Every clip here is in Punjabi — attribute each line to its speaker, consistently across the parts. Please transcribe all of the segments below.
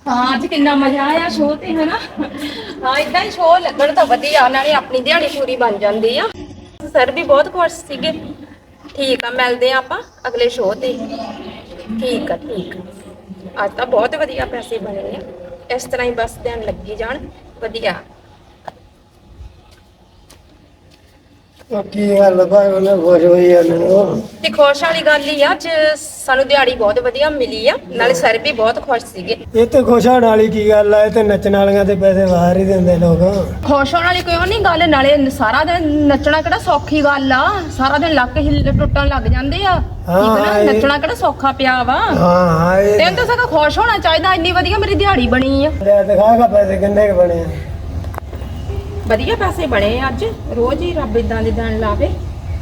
Speaker 1: ਹਾਂ ਅੱਜ ਕਿੰਨਾ ਮਜ਼ਾ ਆਇਆ ਸ਼ੋਅ ਤੇ ਹਨਾ। ਹਾਂ ਇਦਾਂ ਹੀ ਸ਼ੋਅ ਲੱਗਣ ਤਾਂ ਵਧੀਆ, ਨਾਲੇ ਆਪਣੀ ਦਿਹਾੜੀ ਪੂਰੀ ਬਣ ਜਾਂਦੀ ਆ। ਸਰ ਵੀ ਬਹੁਤ ਖੁਸ਼ ਸੀਗੇ। ਠੀਕ ਆ, ਮਿਲਦੇ ਆ ਆਪਾਂ ਅਗਲੇ ਸ਼ੋਅ ਤੇ। ਠੀਕ ਆ ਠੀਕ ਆ। ਅੱਜ ਤਾਂ ਬਹੁਤ ਵਧੀਆ ਪੈਸੇ ਬਣੇ ਆ। ਇਸ ਤਰ੍ਹਾਂ ਹੀ ਬਸ ਧਿਆਨ ਲੱਗੀ ਜਾਣ, ਵਧੀਆ।
Speaker 2: ਕੀ ਗੱਲ ਭਾਈ ਉਹਨੇ ਖੁਸ਼ ਹੋਈ ਜਾਂਦੇ
Speaker 1: ਤੇ ਖੁਸ਼ ਵਾਲੀ ਗੱਲ ਹੀ ਆ, ਅੱਜ ਸਾਨੂੰ ਦਿਹਾੜੀ ਬਹੁਤ ਵਧੀਆ ਮਿਲੀ ਆ, ਨਾਲੇ ਸਰ ਵੀ ਬਹੁਤ ਖੁਸ਼ ਸੀਗੇ।
Speaker 2: ਇਹ ਤੇ ਖੁਸ਼ ਹੋਣ ਵਾਲੀ ਕੀ ਗੱਲ ਆ, ਇਹ ਤੇ ਨੱਚਣ ਵਾਲੀਆਂ ਤੇ ਪੈਸੇ ਬਾਹਰ ਹੀ ਦਿੰਦੇ ਲੋਕ।
Speaker 1: ਖੁਸ਼ ਹੋਣ ਵਾਲੀ ਕੋਈ ਨਹੀਂ ਗੱਲ, ਨਾਲੇ ਸਾਰਾ ਦਿਨ ਨੱਚਣਾ ਕਿਹੜਾ ਸੌਖੀ ਗੱਲ ਆ। ਸਾਰਾ ਦਿਨ ਲੱਕ ਹਿੱਲ ਟੁੱਟਣ ਲੱਗ ਜਾਂਦੇ ਆ। ਠੀਕ ਨਾ, ਨੱਚਣਾ ਕਿਹੜਾ ਸੌਖਾ ਪਿਆ ਵਾ।
Speaker 2: ਹਾਂ
Speaker 1: ਤੈਨੂੰ ਤਾਂ ਸਗੋਂ ਖੁਸ਼ ਹੋਣਾ ਚਾਹੀਦਾ, ਇੰਨੀ ਵਧੀਆ ਮੇਰੀ ਦਿਹਾੜੀ ਬਣੀ ਆ।
Speaker 2: ਦਿਖਾਗਾ ਪੈਸੇ ਕਿੰਨੇ ਕੁ ਬਣੇ ਆ।
Speaker 1: ਵਧੀਆ ਪੈਸੇ ਬਣੇ ਅੱਜ, ਰੋਜ਼ ਹੀ ਰੱਬ ਇਦਾਂ ਦੇ ਦਿਨ ਲਾਵੇ।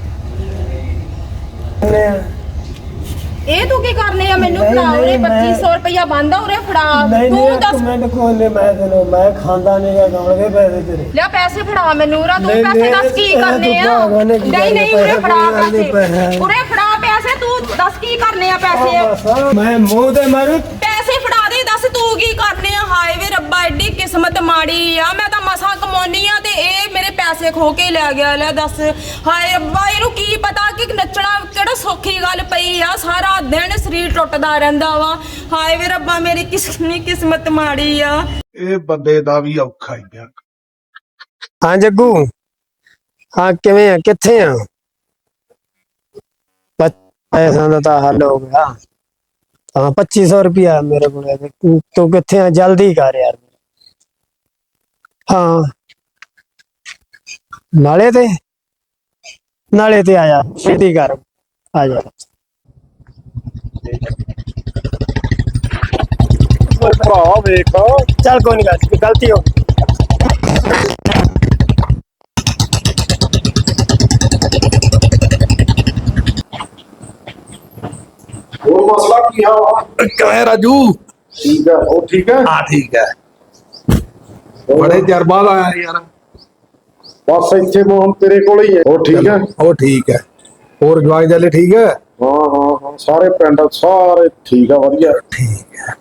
Speaker 1: ਇਹ ਤੂੰ ਕੀ ਕਰਨੇ ਆ? ਮੈਨੂੰ ਫੜਾ ਉਰੇ 2500 ਰੁਪਇਆ ਬੰਦਾ ਉਰੇ ਫੜਾ। ਤੂੰ ਦੱਸ
Speaker 2: ਮੈਨੂੰ ਕੋਲੇ ਮੈਂ ਖਾਂਦਾ ਨਹੀਂਗਾ ਗਾਉਣਗੇ ਪੈਸੇ ਤੇਰੇ।
Speaker 1: ਲੈ ਪੈਸੇ ਫੜਾ ਮੈਨੂੰ ਉਰਾ। ਤੂੰ ਪੈਸੇ ਦੱਸ ਕੀ ਕਰਨੇ ਆ? ਨਹੀਂ ਉਰੇ ਫੜਾ ਪੈਸੇ, ਉਰੇ ਫੜਾ ਪੈਸੇ। ਤੂੰ ਦੱਸ ਕੀ ਕਰਨੇ ਆ ਪੈਸੇ?
Speaker 2: ਮੈਂ ਮੂੰਹ ਤੇ ਮਾਰੂ।
Speaker 1: ਪੈਸੇ ਫੜਾ ਦੇ, ਦੱਸ ਤੂੰ ਕੀ ਕਰਨੇ ਆ? ਹਾਏ ਵੇ ਰੱਬਾ, ਐਡੀ ਕਿਸਮਤ ਮਾੜੀ ਆ। ਮੈਂ ਤਾਂ ਮਸਾਂ ਕਮਾਉਣੀ ਆ ਤੇ ਇਹ ਮੇਰੇ ਪੈਸੇ ਖੋ ਕੇ ਲੈ ਗਿਆ। ਲੈ ਦੱਸ, ਹਾਏ ਰੱਬਾ, ਇਹਨੂੰ ਕੀ ਪਤਾ ਕਿ ਨੱਚਣਾ ਕਿਹੜਾ ਸੌਖੀ ਗੱਲ ਪਈ ਆ। ਸਾਰਾ ਦਿਨ ਸਰੀਰ ਟੁੱਟਦਾ ਰਹਿੰਦਾ ਵਾ। ਹਾਏ ਵੇ ਰੱਬਾ, ਮੇਰੀ ਕਿੰਨੀ ਕਿਸਮਤ ਮਾੜੀ ਆ।
Speaker 3: ਇਹ ਬੰਦੇ ਦਾ ਵੀ ਔਖਾ ਹੀ ਆ।
Speaker 2: ਹਾਂ ਜੱਗੂ, ਹਾਂ ਕਿਵੇਂ ਆ, ਕਿੱਥੇ ਆ? ਪੈਸਾ ਦਾ ਤਾਂ ਹੱਲ ਹੋ ਗਿਆ। ਹਾਂ 2500 ਰੁਪਇਆ ਮੇਰੇ ਕੋਲ। ਤੂੰ ਕਿੱਥੇ ਆ? ਜਲਦੀ ਕਰ ਯਾਰ। ਹਾਂ ਨਾਲੇ ਤੇ ਆ ਜਾ, ਛੇਤੀ ਕਰ ਆ ਜਾ।
Speaker 3: ਭਰਾ ਵੇਖ,
Speaker 2: ਚੱਲ ਕੋਈ ਨੀ, ਗਲਤੀ ਹੋ ਗਈ।
Speaker 3: ਹੋਰ ਮਸਲਾ ਕੀ ਆ?
Speaker 4: ਕਿਵੇਂ ਰਾਜੂ?
Speaker 3: ਠੀਕ ਹੈ, ਉਹ ਠੀਕ ਹੈ।
Speaker 4: ਹਾਂ ਠੀਕ ਹੈ। ਬੜੇ ਚਿਰ ਬਾਅਦ ਆਇਆ ਯਾਰ।
Speaker 3: ਬਸ ਇੱਥੇ ਮੋਹਨ ਤੇਰੇ ਕੋਲ ਹੀ ਹੈ। ਉਹ ਠੀਕ ਹੈ।
Speaker 4: ਉਹ ਠੀਕ ਹੈ। ਹੋਰ ਜਵਾਕ ਜਾਲੇ ਠੀਕ ਹੈ?
Speaker 3: ਹਾਂ ਸਾਰੇ ਪਿੰਡ ਸਾਰੇ ਠੀਕ ਆ, ਵਧੀਆ।
Speaker 4: ਠੀਕ ਹੈ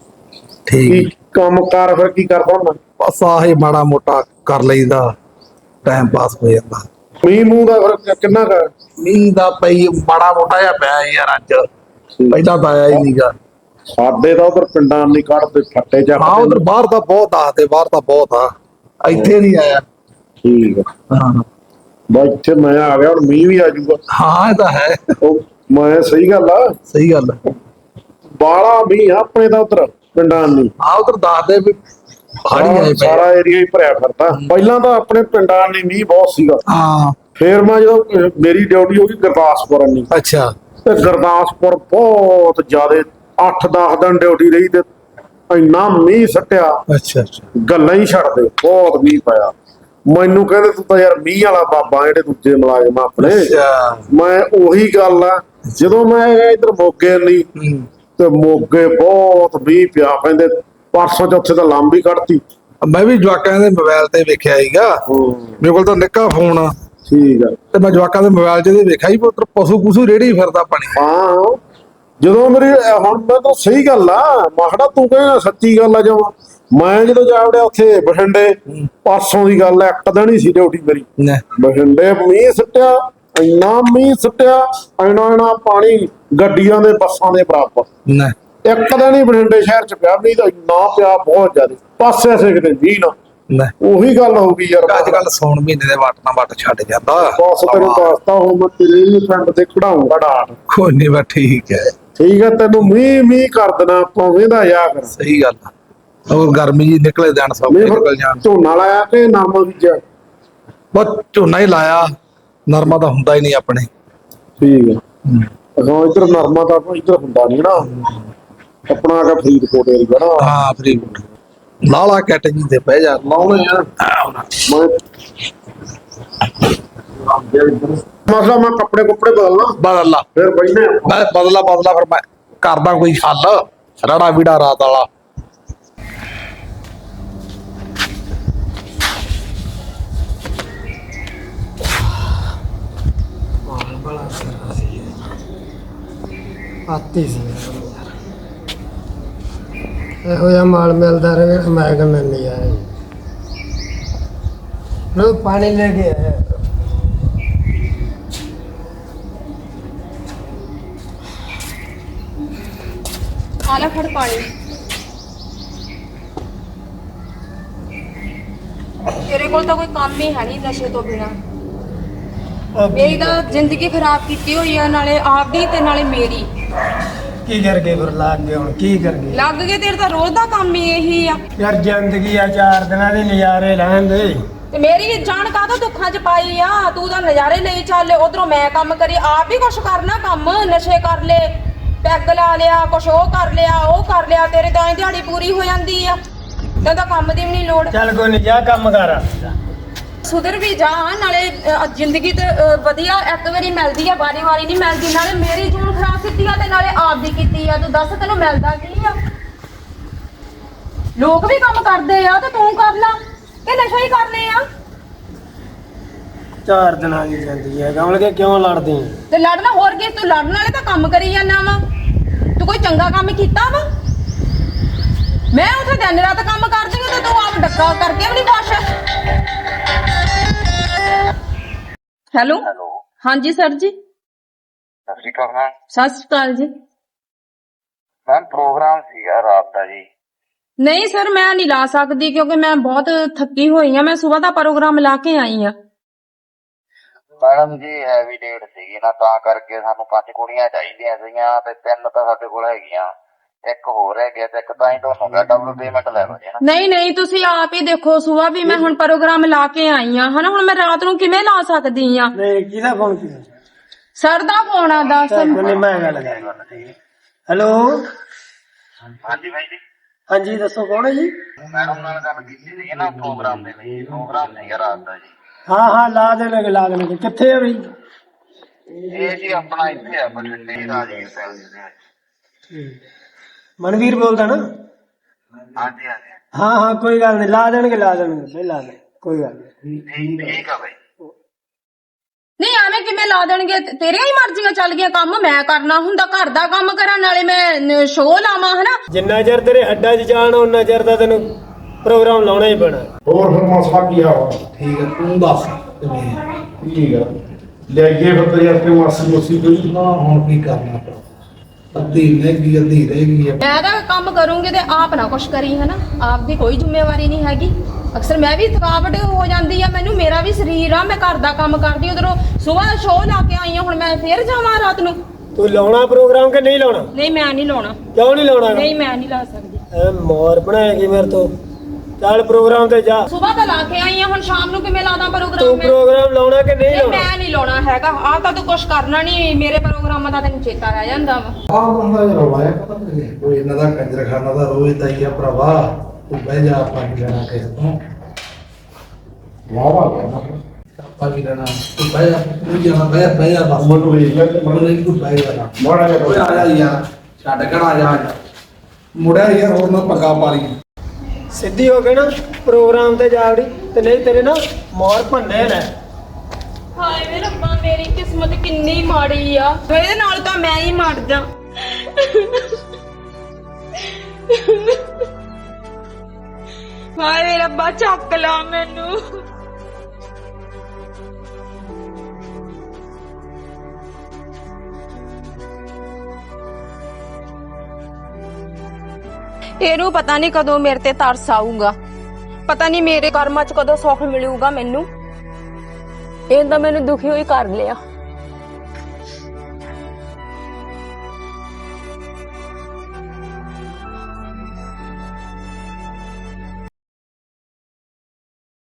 Speaker 3: ਕੀ
Speaker 4: ਠੀਕ।
Speaker 3: ਕੰਮ ਕਾਰ ਫਿਰ ਕੀ ਕਰਦਾ ਹੁੰਦਾ?
Speaker 4: ਬਸ ਆਹੀ ਮਾੜਾ ਮੋਟਾ ਕਰ ਲਈਦਾ, ਟਾਈਮ ਪਾਸ ਹੋ ਜਾਂਦਾ।
Speaker 3: ਮੀਂਹ ਮੂੰਹ ਦਾ ਫਿਰ ਕਿੰਨਾ ਕੁ?
Speaker 4: ਮੀਂਹ ਦਾ ਪਈ ਮਾੜਾ ਮੋਟਾ ਜਿਹਾ ਪਿਆ ਯਾਰ ਅੱਜ। ਪਹਿਲਾਂ ਤਾਂ ਆਇਆ ਹੀ ਨਹੀਂਗਾ।
Speaker 3: ਸਾਡੇ ਤਾਂ ਉਧਰ ਪਿੰਡਾਂ ਨਹੀਂ ਕੱਢਦੇ ਫੱਟੇ ਜਾ।
Speaker 4: ਹਾਂ ਉਧਰ ਬਾਹਰ ਤਾਂ ਬਹੁਤ ਆਖਦੇ, ਬਾਹਰ ਤਾਂ ਬਹੁਤ ਆ, ਇੱਥੇ ਨਹੀਂ ਆਇਆ।
Speaker 3: ਠੀਕ ਹੈ।
Speaker 4: ਹਾਂ
Speaker 3: ਬਸ ਇੱਥੇ ਮੈਂ ਆ ਗਿਆ, ਹੁਣ ਮੀਂਹ ਵੀ ਆ ਜਾਊਗਾ।
Speaker 4: ਹਾਂ ਇਹ ਤਾਂ ਹੈ।
Speaker 3: ਉਹ ਮੈਂ ਸਹੀ ਗੱਲ ਆ।
Speaker 4: ਸਹੀ ਗੱਲ ਹੈ।
Speaker 3: ਬਾਲਾ ਮੀਂਹ ਆ ਆਪਣੇ ਤਾਂ ਉਧਰ ਪਿੰਡਾਂ ਨਹੀਂ।
Speaker 4: ਹਾਂ ਉਧਰ ਦੱਸਦੇ ਵੀ ਹਾੜੀ ਆਏ ਪਏ।
Speaker 3: ਸਾਰਾ ਏਰੀਆ ਹੀ ਭਰਿਆ ਫਿਰਦਾ। ਪਹਿਲਾਂ ਤਾਂ ਆਪਣੇ ਪਿੰਡਾਂ ਨਹੀਂ ਮੀਂਹ ਬਹੁਤ ਸੀਗਾ।
Speaker 4: ਹਾਂ
Speaker 3: ਫੇਰ ਮੈਂ ਜਦੋਂ ਮੇਰੀ ਡਿਊਟੀ ਹੋ ਗਈ ਗੁਰਦਾਸਪੁਰ ਨਹੀਂ,
Speaker 4: ਅੱਛਾ।
Speaker 3: ਤੇ ਗੁਰਦਾਸਪੁਰ ਬਹੁਤ ਜ਼ਿਆਦਾ 8-10 ਦਿਨ ਡਿਊਟੀ ਰਹੀ ਤੇ ਇੰਨਾ ਮੀਂਹ ਸੱਟਿਆ,
Speaker 4: ਅੱਛਾ ਅੱਛਾ।
Speaker 3: ਗੱਲਾਂ ਹੀ ਛੱਡ ਦੇ। ਬਹੁਤ ਮੀਂਹ ਪਿਆ। ਮੈਨੂੰ ਕਹਿੰਦੇ ਤੂੰ ਤਾਂ ਯਾਰ ਮੀਂਹ ਵਾਲਾ ਬਾਬਾ, ਜਿਹੜੇ ਦੂਜੇ ਮੁਲਾਜ਼ਮ ਆਪਣੇ। ਮੈਂ ਉਹੀ ਗੱਲ ਆ, ਜਦੋਂ ਮੈਂ ਇੱਧਰ ਮੋਗੇ ਨਹੀਂ ਤੇ ਮੋਗੇ ਬਹੁਤ ਮੀਂਹ ਪਿਆ। ਕਹਿੰਦੇ ਪਰਸੋਂ ਚੌਥੇ ਤਾਂ ਲੰਬੀ ਕੱਢਤੀ।
Speaker 4: ਮੈਂ ਵੀ ਜਵਾਕਾਂ ਦੇ ਮੋਬਾਈਲ ਤੇ ਵੇਖਿਆ ਸੀਗਾ। ਮੇਰੇ ਕੋਲ ਤਾਂ ਨਿੱਕਾ ਫੋਨ ਆ।
Speaker 3: ਠੀਕ ਆ।
Speaker 4: ਤੇ ਮੈਂ ਜਵਾਕਾਂ ਦੇ ਮੋਬਾਈਲ 'ਚ ਵੇਖਿਆ ਸੀ ਪੁੱਤਰ ਪਸ਼ੂ ਪਸ਼ੂ ਰੇੜੀ ਫਿਰਦਾ ਪਾਣੀ।
Speaker 3: ਹਾਂ ਜਦੋਂ ਮੇਰੀ ਹੁਣ ਮੈਂ ਤਾਂ ਸਹੀ ਗੱਲ ਆ, ਮਾਹੜਾ ਤੂੰ ਕਹਿੰਦਾ ਸੱਚੀ ਗੱਲ ਆ। ਜਮਾਂ ਮੈਂ ਜਦੋਂ ਜਾ ਵੜਿਆ ਉੱਥੇ ਬਠਿੰਡੇ, ਪਰਸੋਂ ਦੀ ਗੱਲ ਆ, ਇੱਕ ਦਿਨ ਹੀ ਸੀ ਡਿਊਟੀ ਮੇਰੀ। ਬਠਿੰਡੇ ਮੀਂਹ ਸੁੱਟਿਆ, ਇੰਨਾ ਮੀਂਹ ਸੁੱਟਿਆ, ਇੰਨਾ ਪਾਣੀ ਗੱਡੀਆਂ ਦੇ ਬੱਸਾਂ ਦੇ ਬਰਾਬਰ। ਇੱਕ ਦਿਨ ਹੀ ਬਠਿੰਡੇ ਸ਼ਹਿਰ ਚ ਪਿਆ ਮੀਂਹ, ਤਾਂ ਇੰਨਾ ਪਿਆ ਬਹੁਤ ਜ਼ਿਆਦਾ। ਪਾਸੇ ਕਿਤੇ ਮੀਂਹ ਨਾ। ਉਹੀ ਗੱਲ ਹੋ ਗਈ ਯਾਰ।
Speaker 4: ਅੱਜ ਕੱਲ ਸੌਣ ਮਹੀਨੇ ਦੇ ਵੱਟ ਨਾਲ ਵੱਟ ਛੱਡ ਜਾਂਦਾ।
Speaker 3: ਬਸ ਤੈਨੂੰ ਦੱਸਤਾ ਹੁਣ ਮੈਂ ਤੇਰੇ ਪਿੰਡ ਤੇ ਖੜਾਉਂਗਾ ਡਾਟ।
Speaker 4: ਕੋਈ ਨੀ ਬਸ ਠੀਕ ਹੈ।
Speaker 3: ਠੀਕ ਹੈ, ਤੈਨੂੰ ਮੀਂਹ ਕਰ ਦੇਣਾ ਆਪਾਂ, ਵੇਂਦਾ ਯਾ ਕਰ।
Speaker 4: ਸਹੀ ਗੱਲ ਆ। ਉਹ ਗਰਮੀ ਜੀ ਨਿਕਲੇ ਜਾਣ, ਸਭ ਨਿਕਲ ਜਾਣ।
Speaker 3: ਝੋਨਾ ਲਾਇਆ ਕਿ ਨਾਮਾ ਬੀਜਿਆ?
Speaker 4: ਬਸ ਝੋਨਾ ਹੀ ਲਾਇਆ, ਨਰਮਾ ਤਾਂ ਹੁੰਦਾ ਹੀ ਨਹੀਂ ਆਪਣੇ।
Speaker 3: ਠੀਕ ਹੈ। ਹਾਂ ਇੱਧਰ ਨਰਮਾ ਤਾਂ ਇੱਧਰ ਹੁੰਦਾ ਨੀ ਨਾ ਆਪਣਾ। ਆ ਫਰੀਦਕੋਟ ਏਰੀਆ ਨਾ।
Speaker 4: ਹਾਂ ਫਰੀਦਕੋਟ। ਲਾਲਾ ਕੈਟ ਜੀ ਤੇ ਬਹਿ ਜਾ, ਲਾਉਣੇ ਆ।
Speaker 3: ਮਸਲਾ ਮੈਂ ਕੱਪੜੇ ਬਦਲਣਾ।
Speaker 4: ਬਦਲ ਲਾ
Speaker 3: ਫਿਰ ਬੈਠੇ
Speaker 4: ਮੈਂ ਬਦਲਾ ਫਿਰ ਮੈਂ ਕਰਦਾ ਕੋਈ ਹੱਲ। ਰੜਾ ਵੀੜਾ ਰਾਤ ਵਾਲਾ।
Speaker 2: ਆਤੀ ਸੀ ਇਹੋ ਜਿਹਾ ਮਾਲ ਮਿਲਦਾ ਰਹੇ ਮੈਂ ਕਹਿੰਦਾ ਨਹੀਂ ਆਇਆ ਲੋ ਪਾਣੀ ਲੈ ਕੇ ਆਇਆ
Speaker 1: ਆ ਲੈ ਫੜ ਪਾਣੀ। ਤੇਰੇ ਕੋਲ ਤਾਂ ਕੋਈ ਕੰਮ ਹੀ ਹੈ ਨਹੀਂ ਨਸ਼ੇ ਤੋਂ ਬਿਨਾ। ਮੇਰੀ ਤਾਂ ਜ਼ਿੰਦਗੀ ਖਰਾਬ ਕੀਤੀ ਹੋਈ ਆ, ਨਾਲੇ ਆਪਦੀ ਤੇ ਨਾਲੇ ਮੇਰੀ।
Speaker 2: ਕੀ ਕਰ ਗਏ ਫਿਰ ਲੱਗ ਗਏ ਹੁਣ ਕੀ ਕਰ ਗਏ
Speaker 1: ਲੱਗ ਗਏ, ਤੇਰੇ ਤਾਂ ਰੋਜ਼ ਦਾ ਕੰਮ ਹੀ ਇਹੀ ਆ।
Speaker 2: ਯਾਰ ਜ਼ਿੰਦਗੀ ਆ 4 ਦਿਨਾਂ ਦੇ ਨਜ਼ਾਰੇ ਲੈਣ ਦੇ
Speaker 1: ਤੇ ਮੇਰੀ ਜਾਨ ਕਾਹਦਾ ਦੁੱਖਾਂ 'ਚ ਪਾਈ ਆ। ਤੂੰ ਤਾਂ ਨਜ਼ਾਰੇ ਲਈ ਚੱਲ, ਉਧਰੋਂ ਮੈਂ ਕੰਮ ਕਰੀ, ਆਪ ਵੀ ਕੁਛ ਕਰਨਾ ਕੰਮ, ਨਸ਼ੇ ਕਰ ਲੈ, ਪੈਗ ਲਾ ਲਿਆ, ਕੁਛ ਉਹ ਕਰ ਲਿਆ, ਉਹ ਕਰ ਲਿਆ, ਤੇਰੇ ਤਾਂ ਐਂ ਦਿਹਾੜੀ ਪੂਰੀ ਹੋ ਜਾਂਦੀ ਆ। ਤੈਨੂੰ ਤਾਂ ਕੰਮ ਦੀ ਵੀ ਨਹੀਂ ਲੋੜ।
Speaker 2: ਚੱਲ ਕੋਈ ਨਹੀਂ ਜਾ ਕੰਮ ਕਰ
Speaker 1: ਸੁਧਰ ਵੀ ਜਾ, ਨਾਲੇ ਜ਼ਿੰਦਗੀ ਤੇ ਵਧੀਆ ਇੱਕ ਵਾਰੀ ਮਿਲਦੀ ਆ, ਵਾਰੀ-ਵਾਰੀ ਨਹੀਂ ਮਿਲਦੀ। ਨਾਲੇ ਮੇਰੀ ਜੂਨ ਖਰਾਬ ਕੀਤੀ ਆ ਤੇ ਨਾਲੇ ਆਪ ਦੀ ਕੀਤੀ ਆ। ਤੂੰ ਦੱਸ ਤੈਨੂੰ ਮਿਲਦਾ ਕੀ ਆ? ਲੋਕ ਵੀ ਕੰਮ ਕਰਦੇ ਆ ਤੇ ਤੂੰ ਕਰ ਲਾ ਕਿ ਨਸ਼ਾ ਹੀ ਕਰਨੇ ਆ?
Speaker 2: 4 ਦਿਨਾਂ ਦੀ ਜ਼ਿੰਦਗੀ ਹੈ ਕਮਲ ਕੇ ਕਿਉਂ ਲੜਦੀ
Speaker 1: ਤੇ ਲੜਨਾ ਹੋਰ ਕੀ, ਤੂੰ ਲੜਨ ਵਾਲੇ ਤਾਂ ਕੰਮ ਕਰੀ ਜਾਂਦਾ ਵਾ। ਤੂੰ ਕੋਈ ਚੰਗਾ ਕੰਮ ਕੀਤਾ ਵਾ? ਮੈਂ ਉੱਥੇ ਦਿਨ ਰਾਤ ਕੰਮ ਕਰਦੀ ਹਾਂ ਤੇ ਤੂੰ ਆਪ ਡੱਕਾ ਕਰਕੇ ਵੀ ਨਹੀਂ ਕੁਛ। ਹੈਲੋ ਹਾਂਜੀ ਸਰ ਜੀ।
Speaker 5: ਸਤਿ ਸ਼੍ਰੀ ਅਕਾਲ ਮੈਮ।
Speaker 1: ਸਤਿ ਸ਼੍ਰੀ ਅਕਾਲ ਜੀ।
Speaker 5: ਮੈਮ ਪ੍ਰੋਗਰਾਮ ਸੀਗਾ ਰਾਤ ਦਾ ਜੀ।
Speaker 1: ਨਹੀਂ ਸਰ, ਮੈਂ ਨਹੀਂ ਲਾ ਸਕਦੀ ਕਿਉਂਕਿ ਮੈਂ ਬਹੁਤ ਥੱਕੀ ਹੋਈ ਆ। ਮੈਂ ਸਵੇਰ ਦਾ ਪ੍ਰੋਗਰਾਮ ਲਾ ਕੇ ਆਈ ਆ।
Speaker 5: ਮੈਡਮ ਜੀ ਹੈਵੀ ਡੇਟ ਸੀਗੀ ਨਾ, ਤਾਂ ਕਰਕੇ ਸਾਨੂੰ 5 ਕੁੜੀਆਂ ਚਾਹੀਦੀਆਂ ਸੀਗੀਆਂ ਤੇ 3 ਤਾਂ ਸਾਡੇ ਕੋਲ ਹੈਗੀਆਂ, ਇੱਕ ਹੋਰ ਹੈਗੇ ਤੇ ਇੱਕ ਤਾਂ ਹੀ ਤੁਹਾਨੂੰ ਕਿਹਾ ਡਬਲ ਪੇਮੈਂਟ ਲੈ ਲਓ ਜੀ ਨਾ।
Speaker 1: ਨਹੀਂ ਤੁਸੀਂ ਆਪ ਹੀ ਦੇਖੋ, ਸਵੇਰ ਵੀ ਮੈਂ ਹੁਣ ਪ੍ਰੋਗਰਾਮ ਲਾ ਕੇ ਆਈ ਆ ਹਨਾ। ਹੁਣ ਮੈਂ ਰਾਤ ਨੂੰ ਕਿਵੇਂ ਲਾ ਸਕਦੀ ਆ?
Speaker 2: ਨਹੀਂ ਕਿਹਦਾ ਫੋਨ ਕੀਤਾ
Speaker 1: ਸਰ ਦਾ ਫੋਨ ਆ ਦੱਸ।
Speaker 2: ਨਹੀਂ ਮੈਂ ਗੱਲ ਕਰ ਹੈਲੋ
Speaker 5: ਹਾਂਜੀ ਬਾਈ ਜੀ।
Speaker 2: ਹਾਂਜੀ ਦੱਸੋ ਕੌਣ ਹੈ ਜੀ
Speaker 5: ਮੈਡਮ ਨਾਲ ਗੱਲ ਕੀਤੀ ਸੀਗੀ ਨਾ ਪ੍ਰੋਗਰਾਮ ਦੇ ਲਈ, ਪ੍ਰੋਗਰਾਮ ਸੀਗਾ ਰਾਤ ਦਾ ਜੀ।
Speaker 2: ਹਾਂ ਲਾ ਦੇਣਗੇ ਕਿੱਥੇ ਆ ਬਈ
Speaker 5: ਇਹ ਜੀ ਆਪਣਾ ਇੱਥੇ ਆ ਬਠਿੰਡੇ ਰਾਜੀਵ ਸੈਲ ਦੇ।
Speaker 2: ਮਨਵੀਰ ਬੋਲਦਾ ਨਾ?
Speaker 5: ਹਾਂਜੀ ਹਾਂਜੀ
Speaker 2: ਹਾਂ ਕੋਈ ਗੱਲ ਨਹੀਂ ਲਾ ਦੇਣਗੇ ਬਈ ਲਾ ਦੇ ਕੋਈ ਗੱਲ ਨਹੀਂ।
Speaker 5: ਠੀਕ ਆ ਬਾਈ।
Speaker 1: ਨਹੀਂ ਐਵੇਂ ਕਿਵੇਂ ਲਾ ਦੇਣਗੇ? ਤੇਰੀਆਂ ਹੀ ਮਰਜ਼ੀਆਂ ਚੱਲ ਗਈਆਂ। ਕੰਮ ਮੈਂ ਕਰਨਾ ਹੁੰਦਾ, ਘਰ ਦਾ ਕੰਮ ਕਰਾਂ, ਨਾਲੇ ਮੈਂ ਸ਼ੋਅ ਲਾਵਾਂ ਹਨਾ।
Speaker 2: ਜਿੰਨਾ ਚਿਰ ਤੇਰੇ ਹੱਡਾਂ 'ਚ ਜਾਣ ਉਹਨਾਂ ਚਿਰ ਤਾਂ ਤੈਨੂੰ ਪ੍ਰੋਗਰਾਮ ਲਾਉਣਾ ਹੀ ਪੈਣਾ।
Speaker 3: ਹੋਰ ਫਿਰ ਮਸਲਾ ਕੀ ਆ?
Speaker 4: ਠੀਕ ਹੈ ਤੂੰ ਦੱਸ ਕਿਵੇਂ
Speaker 3: ਠੀਕ ਆ ਲੈ ਗਏ ਫਿਰ ਤੇਰੇ ਆਪੇ ਮਾਸੀ ਕੋਈ
Speaker 4: ਨਾ ਹੁਣ ਕੀ ਕਰਨਾ ਆਪਾਂ ਅੱਧੀ ਰਹੇਗੀ
Speaker 1: ਮੈਂ ਤਾਂ ਕੰਮ ਕਰੂੰਗੀ ਤੇ ਆਪ ਨਾ ਕੁਛ ਕਰੀ ਹਨਾ। ਆਪ ਦੀ ਕੋਈ ਜ਼ਿੰਮੇਵਾਰੀ ਨਹੀਂ ਹੈਗੀ। ਅਕਸਰ ਮੈਂ ਵੀ ਥਕਾਵਟ ਹੋ ਜਾਂਦੀ ਆ ਮੈਨੂੰ, ਮੇਰਾ ਵੀ ਸਰੀਰ ਆ, ਮੈਂ ਘਰ ਦਾ ਕੰਮ ਕਰਦੀ। ਉਧਰੋਂ ਸਵੇਰ ਸ਼ੋਅ ਲਾ ਕੇ ਆਈ ਆ, ਹੁਣ ਮੈਂ ਫੇਰ ਜਾਵਾਂ ਰਾਤ ਨੂੰ।
Speaker 2: ਤੂੰ ਲਾਉਣਾ ਪ੍ਰੋਗਰਾਮ ਕਿ ਨਹੀਂ ਲਾਉਣਾ?
Speaker 1: ਨਹੀਂ ਮੈਂ ਨਹੀਂ ਲਾਉਣਾ।
Speaker 2: ਕਿਉਂ ਨਹੀਂ ਲਾਉਣਾ?
Speaker 1: ਨਹੀਂ ਮੈਂ ਨਹੀਂ ਲਾ ਸਕਦੀ।
Speaker 2: ਐ ਮੋਰ ਬਣਾਏਗੀ ਮੇਰੇ ਤੋਂ। ਚੱਲ ਪ੍ਰੋਗਰਾਮ ਤੇ ਜਾ।
Speaker 1: ਸਵੇਰ ਤਾਂ ਲਾ ਕੇ ਆਈ ਆ, ਹੁਣ ਸ਼ਾਮ ਨੂੰ ਕਿਵੇਂ ਲਾਦਾ
Speaker 2: ਤੂੰ
Speaker 1: ਪ੍ਰੋਗਰਾਮ?
Speaker 2: ਪ੍ਰੋਗਰਾਮ ਲਾਉਣਾ ਕਿ ਨਹੀਂ ਲਾਉਣਾ?
Speaker 1: ਮੈਂ ਨਹੀਂ ਲਾਉਣਾ ਹੈਗਾ। ਆਹ ਤਾਂ ਤੂੰ ਕੁਛ ਕਰਨਾ ਨਹੀਂ, ਮੇਰੇ ਪ੍ਰੋਗਰਾਮਾਂ ਦਾ ਤੈਨੂੰ ਚੇਤਾ ਰਹਿ ਜਾਂਦਾ ਵਾ।
Speaker 4: ਆਹ ਬੰਦਾ ਜਿਹੜਾ ਵਾਇਆ ਪਤਾ ਨਹੀਂ ਕੋਈ ਇਹਨਾਂ ਦਾ ਕੰਜਰਖਾਨਾ ਦਾ ਰੋਜ਼ ਦਾ ਹੀ ਆ ਭਰਾਵਾ। ਤੂੰ ਬਹਿ ਜਾ ਆਪਾਂ ਕੀ ਲੈਣਾ ਕਿਸੇ ਤੋਂ
Speaker 3: ਵਾਹ
Speaker 4: ਆਪਾਂ ਕੀ ਲੈਣਾ। ਤੂੰ ਬਹਿ ਜਾ ਤੂੰ ਜਾਣਾ ਬਹਿ ਜਾ ਬਸ
Speaker 3: ਮਨ ਨੂੰ ਇਹ ਲੱਗ
Speaker 4: ਮਨ ਨਹੀਂ ਤੂੰ ਬਹਿ ਜਾ
Speaker 3: ਮਾੜਾ ਜਿਹਾ
Speaker 4: ਓਏ ਆ ਜਾ ਯਾਰ ਛੱਡ ਘੜਾ ਆ ਜਾ ਮੁੜਿਆ ਯਾਰ ਹੋਰ ਨਾ ਪੱਗਾ ਪਾ ਲਈ।
Speaker 2: ਸਿੱਧੀ ਹੋ ਕੇ ਨਾ ਪ੍ਰੋਗਰਾਮ ਤੇ ਜਾ ਵੜੀ ਤੇ ਨਹੀਂ ਤੇਰੇ ਨਾ ਮੋਰ ਭੰਨੇ ਨੇ।
Speaker 1: ਹਾਏ ਵੇ ਰੱਬਾ, ਮੇਰੀ ਕਿਸਮਤ ਕਿੰਨੀ ਮਾੜੀ ਆ। ਇਹਦੇ ਨਾਲ ਤਾਂ ਮੈਂ ਹੀ ਮਰ ਜਾ। ਹਾਏ ਵੇ ਰੱਬਾ, ਚੱਕ ਲਾ ਮੈਨੂੰ। ਇਹਨੂੰ ਪਤਾ ਨਹੀਂ ਕਦੋਂ ਮੇਰੇ ਤੇ ਤਰਸ ਆਊਗਾ, ਪਤਾ ਨਹੀਂ ਮੇਰੇ ਕਰਮਾਂ 'ਚ ਕਦੋਂ ਸੁੱਖ ਮਿਲੂਗਾ ਮੈਨੂੰ। ਇਹ ਤਾਂ ਮੈਨੂੰ ਦੁਖੀ ਹੋਈ ਕਰ ਲਿਆ।